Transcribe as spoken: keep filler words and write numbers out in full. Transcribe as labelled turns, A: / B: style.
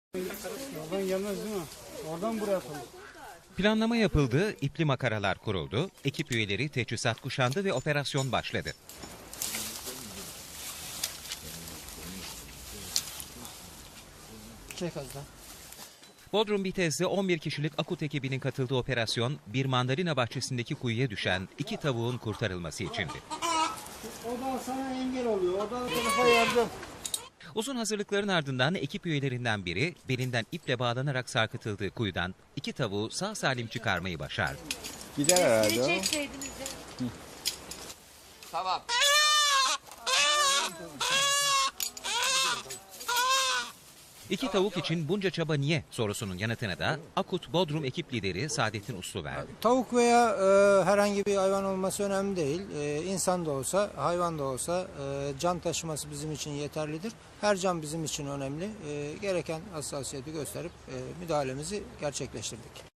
A: Oradan gelmez değil mi? Oradan buraya atalım.
B: Planlama yapıldı, ipli makaralar kuruldu, ekip üyeleri teçhizat kuşandı ve operasyon başladı.
A: Çek az daha.
B: Bodrum Bitez'de on bir kişilik Akut ekibinin katıldığı operasyon, bir mandalina bahçesindeki kuyuya düşen iki tavuğun kurtarılması içindi.
A: O da sana engel oluyor. O da tarafa yardım.
B: Uzun hazırlıkların ardından ekip üyelerinden biri belinden iple bağlanarak sarkıtıldığı kuyudan iki tavuğu sağ salim çıkarmayı başardı.
C: Gider herhalde o.
D: Çekseydiniz de.
C: Tamam.
B: İki tavuk için bunca çaba niye sorusunun yanıtını da Akut Bodrum ekip lideri Saadettin Uslu verdi.
E: Tavuk veya e, herhangi bir hayvan olması önemli değil. E, insan da olsa, hayvan da olsa e, can taşıması bizim için yeterlidir. Her can bizim için önemli. E, gereken hassasiyeti gösterip e, müdahalemizi gerçekleştirdik.